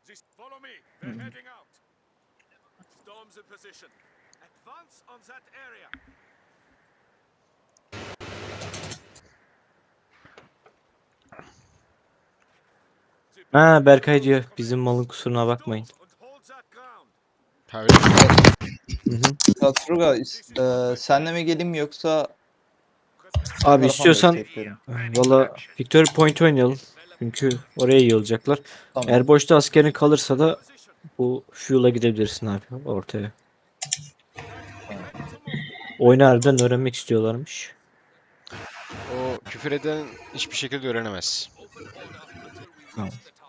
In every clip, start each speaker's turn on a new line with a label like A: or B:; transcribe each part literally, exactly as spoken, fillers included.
A: Ha, Berkay diyor bizim malın kusuruna bakmayın.
B: Ha öyle mi?
A: Hı hı.
C: Tatruga, e, senle mi geleyim yoksa
A: Abi
C: tarafa mı
A: istiyorsan
C: bekletlerim?
A: valla Victory Point oynayalım. Çünkü oraya yığılacaklar.
C: Tamam.
A: Eğer boşta askerin kalırsa da bu Fuel'a gidebilirsin abi ortaya. Oyunu harbiden öğrenmek istiyorlarmış.
B: O küfür eden hiçbir şekilde öğrenemez.
A: Tamam.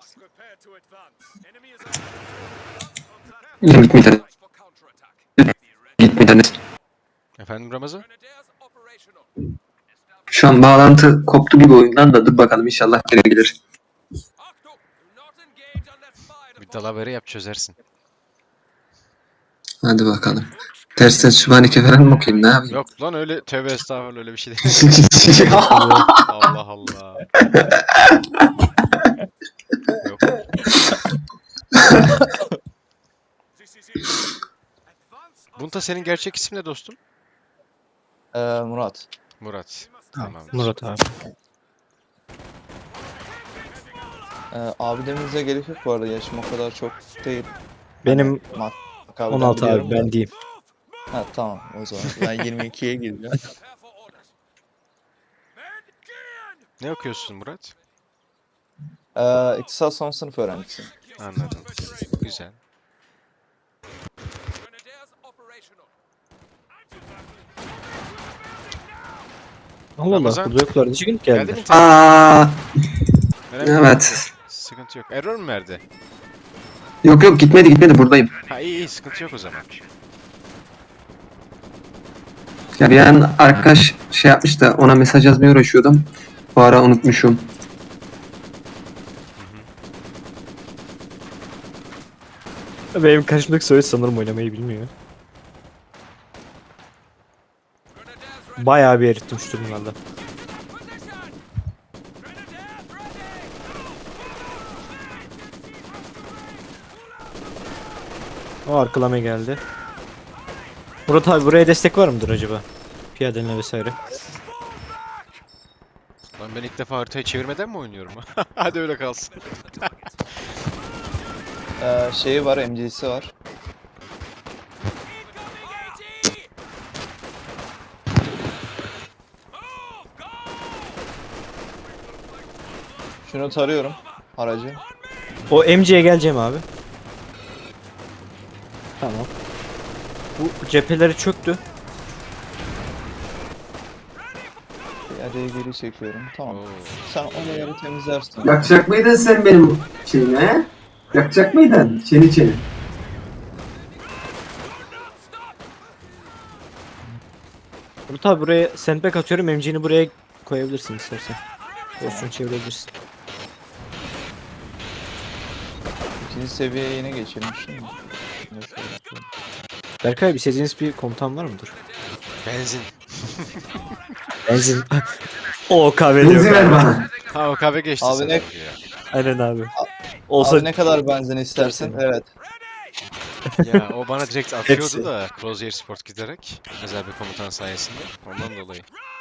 D: Gitmeden. Gitmeden.
B: Efendim Ramazan?
D: Şu an bağlantı koptu gibi oyundan da dur bakalım inşallah geri gelir.
B: Bir dalavere yap çözersin.
D: Hadi bakalım. Tersten Sübhaneke falan mı okuyayım ne yapayım?
B: Yok lan öyle tövbe estağfurullah öyle bir şey değil. Allah Allah. Yok. Bunta senin gerçek ismin ne dostum?
C: E, Murat.
B: Murat.
A: Tamam.
B: Tamam.
A: Murat abi.
C: E, abi demenize gerek yok bu arada. Yaşım o kadar çok değil.
A: Benim
C: Mak abiden
A: on altı
C: biliyorum
A: abi
C: da.
A: ben diyeyim.
C: Ha tamam o zaman. Ben yirmi ikiye gireceğim.
B: Ne okuyorsun Murat?
C: E, İktisat son sınıf öğrencisiyim.
B: Anladım. Güzel.
A: Allah Allah
B: Ramazan,
A: burada yoklar. Niçin gelip
B: Geldi mi
A: geldiler?
B: internet?
D: Aa,
B: Merak etme.
D: evet.
B: Sıkıntı yok. Error mu verdi?
D: Yok yok gitmedi gitmedi buradayım.
B: Ha iyi iyi sıkıntı yok o zaman.
D: Ya bir an arkadaş şey yapmış da ona mesaj yazmaya uğraşıyordum. Bu ara unutmuşum.
A: Benim karşımdaki soyu sanırım oynamayı bilmiyor. Bayağı bir erittim şu durumlarda. O arkalama geldi. Murat abi buraya destek var mıdır acaba? Piyadenle vesaire.
B: Lan ben ilk defa haritayı çevirmeden mi oynuyorum? Hadi öyle kalsın.
C: E, şeyi var, M C'si var. Şunu tarıyorum. Aracı.
A: O M C'ye geleceğim abi. Tamam. Bu cepheleri çöktü.
C: Piyadeye geri çekiyorum. Tamam.
B: Oo.
C: Sen onu yarı temizlersin.
D: Yakacak mıydın sen benim şeyimi he? Yakacak mıydın? Çeni çeni.
A: Murat abi buraya sandbag atıyorum. M C'ni buraya koyabilirsin istersen. Pozisyonu çevirebilirsin.
C: İkinci seviyeye yine geçelim şimdi.
A: Berkay bir istediğiniz bir komutan var mıdır?
B: Benzin.
A: Benzin. o kahve
D: Benzin
A: diyor.
D: ver bana.
B: Ha o kahve geçti
C: Abi
B: sana
C: ne-
B: ya.
A: Aynen abi. Olsa
C: Abi ne kadar benzin istersin?
A: İstersen.
C: Evet.
B: Ya o bana direkt atıyordu
A: Hepsi.
B: da Crozier Sport giderek özel bir komutan sayesinde ondan dolayı.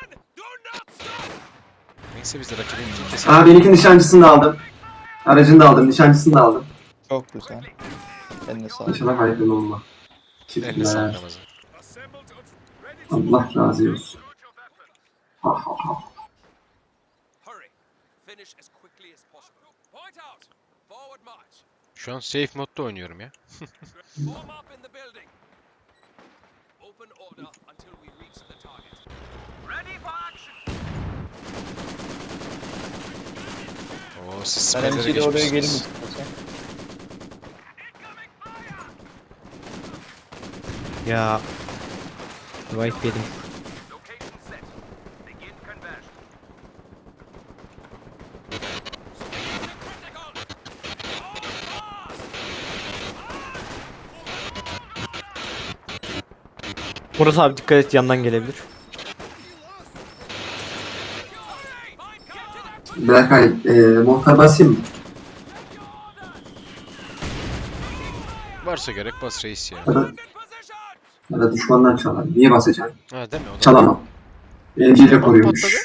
B: Neyse biz de rakibin için kesin.
D: Aa benimki nişancısını da aldım. Aracını da aldım, nişancısını da aldım.
C: Çok güzel. Eline sağlık.
D: İnşallah hayırlı olma.
B: Eline
D: Teşekkürler.
B: sağlık Ramazan.
D: Allah razı olsun. Ha ha ha.
B: Şu an safe modda oynuyorum ya. Oo siz
C: Ben
B: siperlere
C: M C'yle oraya geleyim
B: geçmişsiniz.
C: istiyorsan.
A: ya. Wipe yedim. Murat abi dikkat et yandan gelebilir.
D: Berkay, e, muhtar basayım mı?
B: Varsa gerek bas reis ya.
D: Ya da, ya da düşmandan çalar. Niye basacaksın?
B: Ha değil mi? O da
D: Çalamam. Enciyle
B: Bomba
D: koruyormuş.
B: patladı.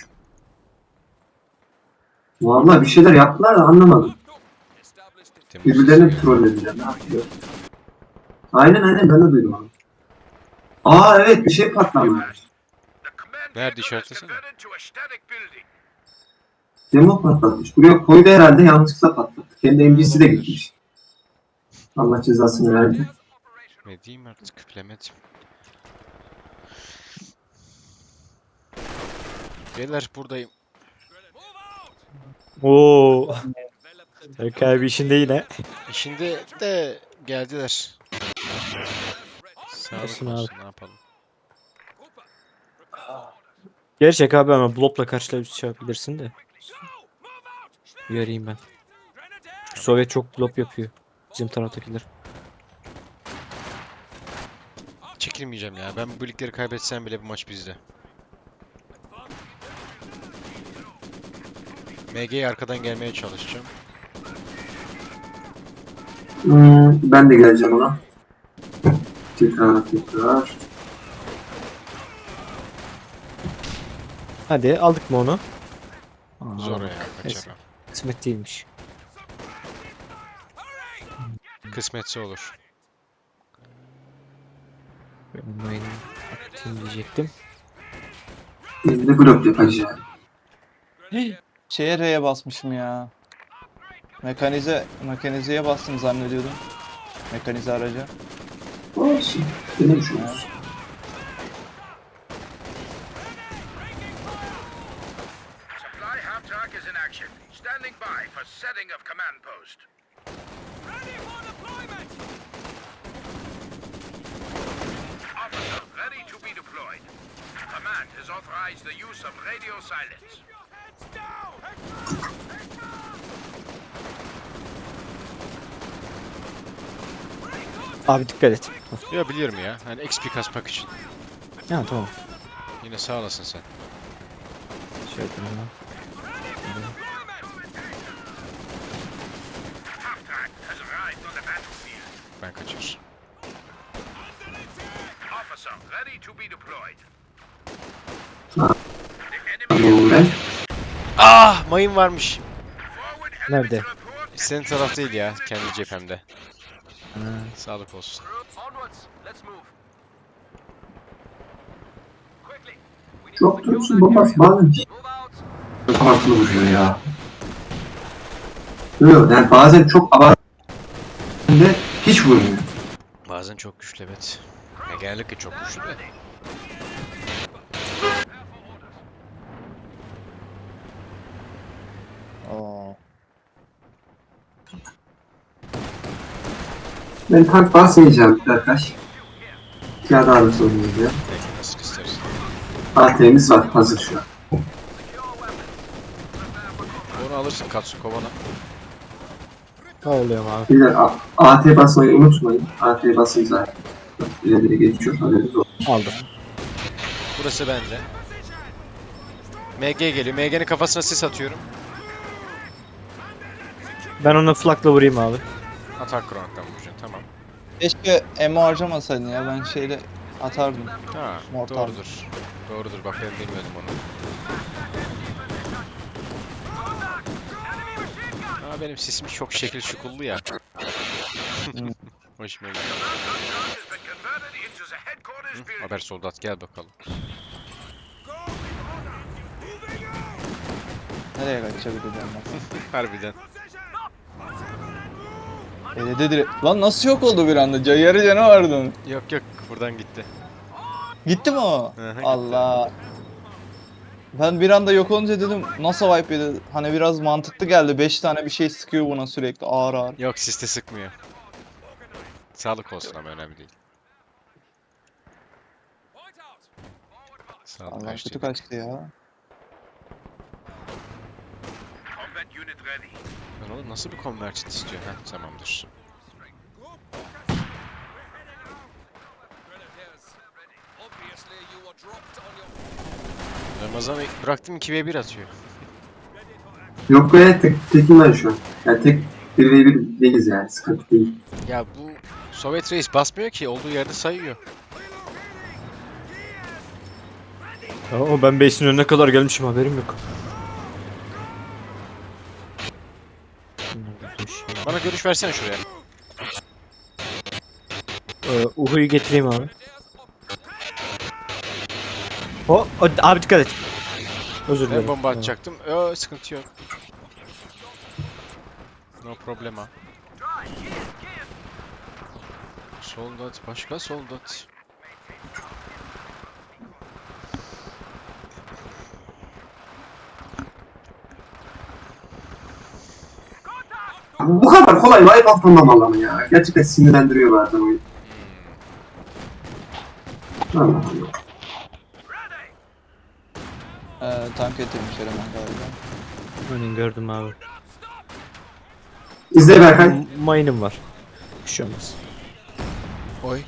D: Vallahi bir şeyler yaptılar da anlamadım.
B: Temmuz
D: Birbirlerini
B: sesi
D: trollediler. Ne yapıyor? Aynen aynen ben de duydum onu. Aa evet bir şey patlamış.
B: Nerede işaretlesene?
D: Demo patlatmış. Buraya koydu herhalde yanlışlıkla patlattı. Kendi M C'si de gitmiş. Allah cezasını verdi.
B: Ne diyeyim artık bilemedim. Beyler buradayım.
A: Oo. Berk abi işinde yine.
B: İşinde de geldiler. Sağlık
A: Olsun
B: olsun,
A: abi.
B: ne yapalım.
A: Gerçek abi ama blopla karşılaşabilirsin de. Uyarayım ben. Sovyet çok blop yapıyor. Bizim taraftakiler.
B: Çekilmeyeceğim ya. Ben bu birlikleri kaybetsem bile bu maç bizde. M G'ye arkadan gelmeye çalışacağım.
D: Hmm, ben de geleceğim ona. Tekrar tekrar.
A: Hadi aldık mı onu? Aa,
B: Zor
A: alamadık.
B: ya,
A: Neyse,
B: kaçamam.
A: kısmet değilmiş.
B: Kısmetse olur.
A: Online atayım diyecektim.
D: Biz de blok yapacağız.
C: Şeye R'ye basmışım ya. Mekanize, mekanizeye bastım zannediyordum. Mekanize araca.
D: Olsun. Denemiş oluruz.
E: Supply half track is in action. Standing by for setting of command post. Ready for deployment! Officer ready to be deployed. Command has authorized the use of radio silence.
A: Abi dikkat et.
B: Ya biliyorum ya. Hani X P kasmak için.
A: Ha tamam.
B: Yine sağ olasın sen.
A: Şöyle yapayım ya.
E: Half track has arrived on the battlefield.
B: Ben kaçar.
E: Officer ready to be deployed.
D: Ha.
E: The enemy
D: Tamam ben.
B: Ah! Mayın varmış.
E: forward enemy
A: Nerede?
E: to report.
B: Senin taraf değil ya. Kendi cephemde.
A: Ha.
B: Sağlık olsun.
E: Onwards, let's move. Quickly. We need
D: Çok
E: to secure
D: dursun
E: that
D: babası
E: area.
D: bazen
E: Move out.
D: abartılı vuruyor ya. Yok yani bazen çok abartılı de hiç vurmuyor.
B: Bazen çok güçlü evet. Ya genellikle çok güçlü de.
C: Oo.
D: Ben tank basmayacağım Berkaş. Piyade ağırlısı oynayacağım.
B: Peki nasıl istersin.
D: A T'miz var hazır şu an.
B: Onu alırsın Katsu kovana.
A: Ne oluyor abi?
D: Bir de A- AT basmayı unutmayın. A T basın zaten. İleri geçiyor haberiniz olsun.
A: Aldım.
B: Burası bende. M G geliyor. M G'nin kafasına sis atıyorum.
A: Ben onu flakla vurayım abi.
B: Atak kronikten vuracaksın tamam.
C: Keşke emo harcamasaydın ya, ben şeyle atardım.
B: Ha
C: Mortal.
B: doğrudur. Doğrudur bak ben bilmiyordum onu. Aa benim sesim çok şekil şukullu ya. Hoşuma gidiyor.
E: Has been converted into the headquarters
B: Hı,
E: building.
B: haber soldat gel bakalım.
C: Nereye kaçabilir ben?
B: Harbiden.
C: Elede direkt. Lan nasıl yok oldu bir anda? Ca- Yarı canı vardı onun.
B: Yok yok buradan gitti.
C: Gitti mi o?
B: Hı hı, gitti.
C: Allah. Ben bir anda yok olunca dedim nasıl wipe yedi? Hani biraz mantıklı geldi. beş tane bir şey sıkıyor buna sürekli ağır ağır.
B: Yok siste sıkmıyor. Sağlık olsun ama önemli değil. Sağlık
C: Allah
B: her şey.
C: kötü kaçtı ya.
E: Combat unit ready.
B: Lan oğlum nasıl bir convergent istiyor? Heh tamamdır. Ramazan bıraktım iki ve bir atıyor.
D: Yok be tek, tekim ben şu an. Yani tek bir ve bir değiliz yani sıkıntı değil.
B: Ya bu Sovyet reis basmıyor ki. Olduğu yerde sayıyor.
A: Ya, o ben base'in önüne kadar gelmişim, haberim yok.
B: Bana görüş versene şuraya.
A: Ee, Uhu'yu getireyim abi. O, o abi dikkat et. Özür dilerim.
B: Ben bomba atacaktım. Yo, sıkıntı yok. No problema. Soldat, başka soldat.
D: Bu kadar kolay wipe atlamamalı ama ya. Gerçekten sinirlendiriyor bazen oyun. Allah Allah.
C: Ee, tank getirmişler hemen galiba.
A: Önün gördüm abi.
D: İzle Berkay.
A: M- Mine'ım var. Bir şey olmaz.
B: Oy.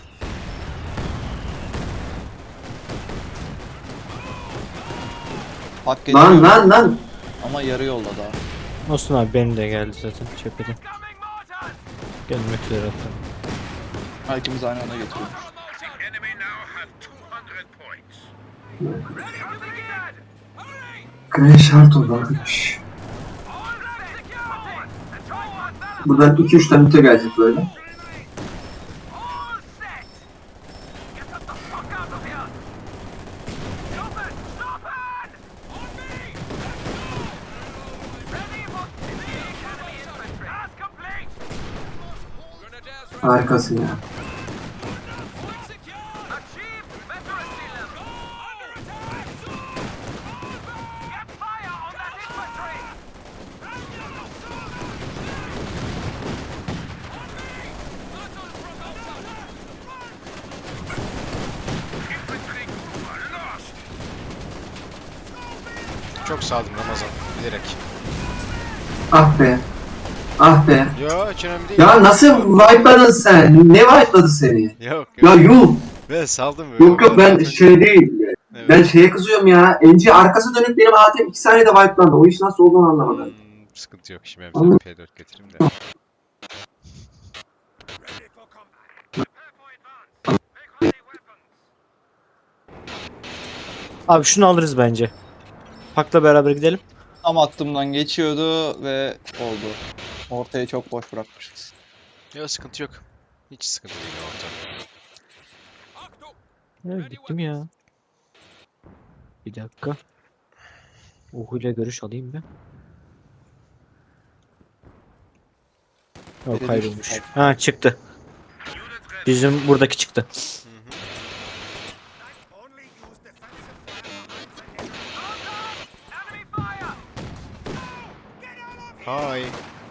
C: Hak getiriyor
D: Lan lan lan.
C: ama yarı yolda daha.
A: Olsun abi, benim de geldi zaten cephede. Gelmek üzere hatta.
C: Ha, ikimiz aynı anda getiriyor.
E: The enemy now have two hundred points.
D: Grand şart oldu arkadaş. Buradan iki üç tane müte gelecek böyle. Harikasın ya.
B: Çok sağdım Ramazan. Bilerek.
D: Ah be. Ah be.
B: Yo, hiç önemli değil.
D: Ya nasıl wipe'ladın sen? Ne wipe'ladı seni?
B: Yok yok.
D: Ya yuh.
B: Ben saldım böyle.
D: Yok yok ben şey değil.
B: Evet.
D: Ben şeye kızıyorum ya. N G arkası dönüp benim A T M iki saniyede wipe'landı. O iş nasıl olduğunu anlamadım.
B: Hmm, sıkıntı yok. Şimdi
D: Anladım.
B: ben P dört getireyim de.
A: Abi şunu alırız bence. Pak'la beraber gidelim.
C: Tam aklımdan geçiyordu ve oldu. Ortaya çok boş bırakmışız.
B: Yok, sıkıntı yok. Hiç sıkıntı değil ortam.
A: Evet, gittim ya. Bir dakika. Uhu'yla görüş alayım ben. Yok,
C: Biri
A: kaybolmuş.
C: düştü.
A: Ha, çıktı. Bizim buradaki çıktı.
B: Hi.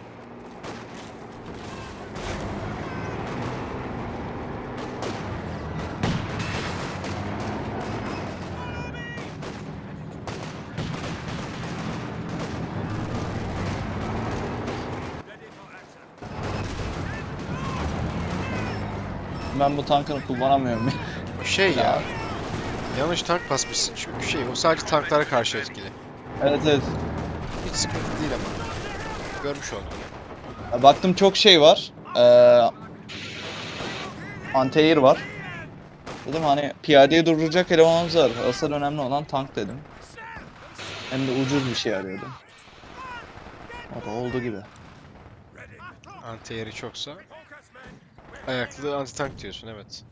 C: Ben bu tankını kullanamıyorum.
B: O şey ya. Yanlış tank basmışsın çünkü şey o sadece tanklara karşı etkili.
C: Evet evet.
B: Hiç sıkıntı değil ama. Görmüş oldum.
C: Ya baktım çok şey var. Ee, anti-air var. Dedim hani piyadeye durduracak elemanımız var. Asıl önemli olan tank dedim. Hem de ucuz bir şey arıyordum. O da oldu gibi.
B: Anti-air'i çoksa. Ayaklı anti-tank diyorsun, evet.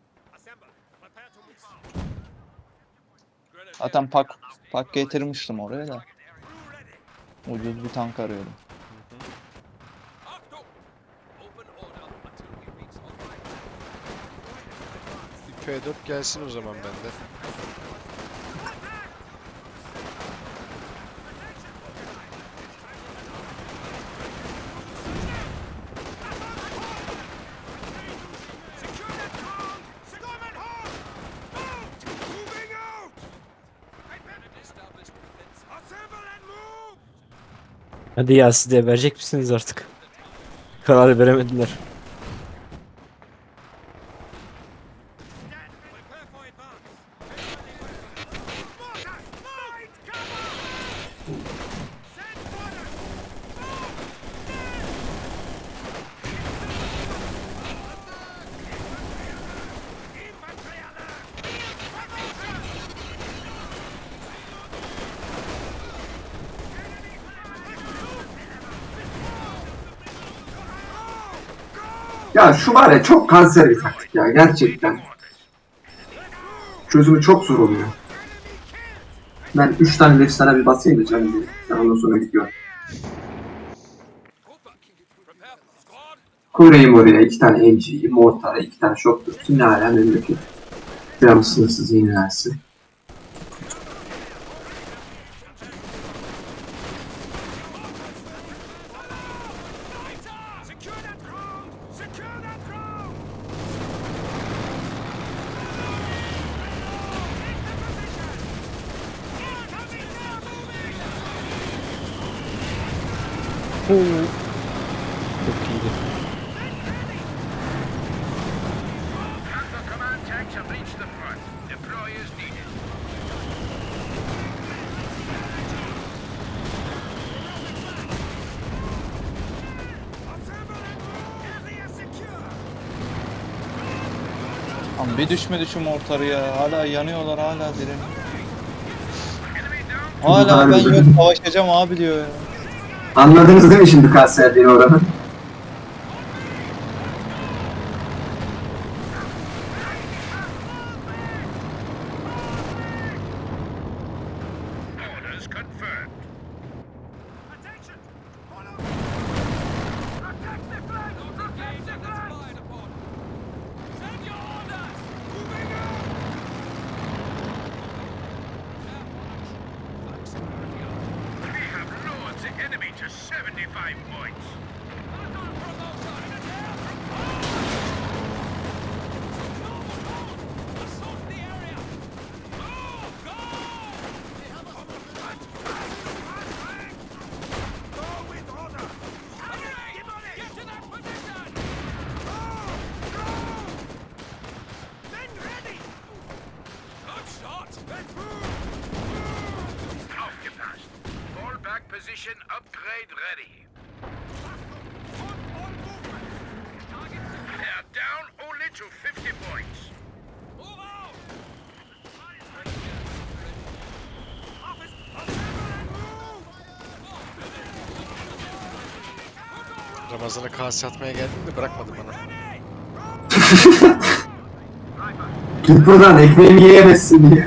C: Zaten pak pak getirmiştim oraya da. Ucuz bir tank arıyordum.
B: Bir P dört gelsin o zaman bende.
A: Hadi ya, siz de verecek misiniz artık? Karar veremediler.
D: Ya şu var ya çok kanser bir taktik ya gerçekten. Çözümü çok zor oluyor. Ben üç tane left sana bir basayım da canım benim. Sen ondan sonra gidiyor. Kurayım oraya iki tane M G'yi, mortara, iki tane şok dursun. Ne hala memleket. Biraz sınırsız yenilersin.
A: Çok iyiydi.
E: Panther command tanks have reached the front. Deploy as needed.
C: Lan bir düşmedi şu mortarı ya. Hala yanıyorlar, hala direniyor. Hala ben yok savaşacağım abi diyor ya.
D: Anladınız değil mi şimdi kanserliğini oranı?
E: Orders confirmed. Attention! Follow! Protect the flank! Protect the flank! Send your orders! Moving out! We have lowered the enemy to seventy-five points. Aufgepasst. Fall back position upgrade ready. They are down only to fifty points. Move out!
B: Ramazan'a kase atmaya geldim de bırakmadı bana.
D: Git buradan ekmeğimi yiyemezsin diye.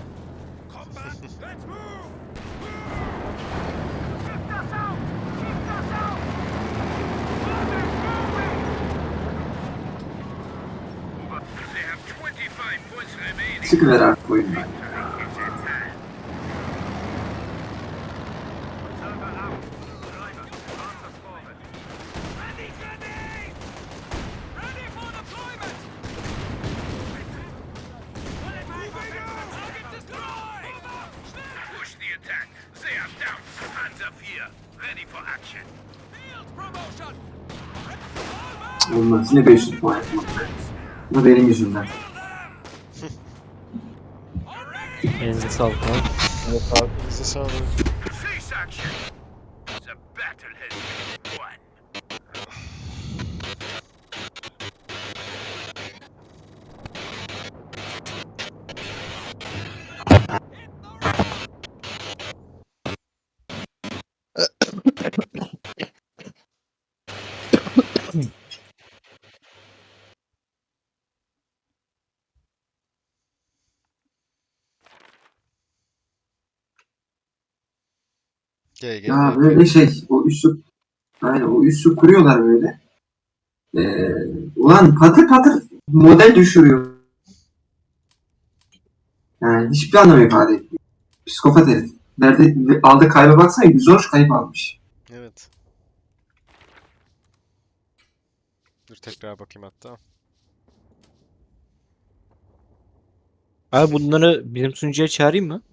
E: They have twenty-five points remaining.
D: Çıkıver artık oyundan.
E: Push the attack. They are down. Panzer four, ready for action. Field promotion.
D: Olmaz. Yine beş yüz puan yapmak. Bu da benim yüzümden.
A: Elinize sağlık abi.
B: Bize sağ olun.
E: Cease action. The battle has been won.
B: Gel gel.
D: Ya
B: gel.
D: böyle şey, o üssü, aynen o üssü kuruyorlar böyle. Ee, ulan patır patır model düşürüyor. Yani hiçbir anlam ifade etmiyor. Psikopat herif. Nerede aldığı kayba baksana yüz on üç kayıp almış.
B: Evet. Dur tekrar bakayım hatta.
A: Abi bunları bizim sunucuya çağırayım mı?